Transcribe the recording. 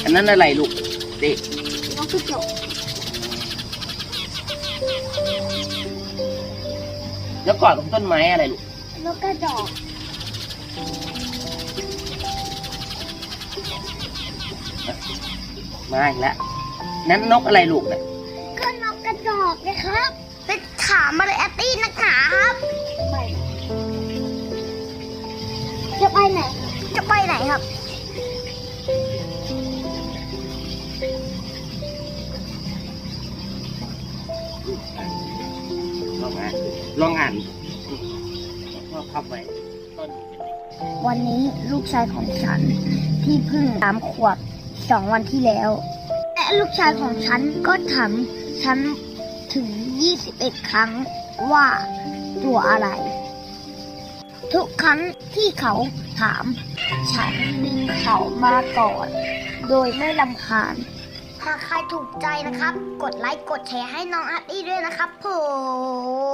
นนั้นอะไรลูกเด็กนกกระจอกแล้วกอดกับต้นไม้อะไรลูกนกกระจอกมาอีกแล้วนั้นนกอะไรลูกเนี่ยก็นกกระจอกนะครับไปถามมาเลยแอตตี้นักหนาครับจะไปไหนจะไปไหนครับลองอ่านพ่อพับไว้ต้นวันนี้ลูกชายของฉันที่เพิ่ง3 ขวบ 2 วันที่แล้วและลูกชายของฉันก็ถามฉันถึง21 ครั้งว่าตัวอะไรทุกครั้งที่เขาถามฉันดึงเขามาก่อนโดยไม่รำคาญหากใครถูกใจนะครับกดไลค์กดแชร์ให้น้องอาร์ตี้ด้วยนะครับผม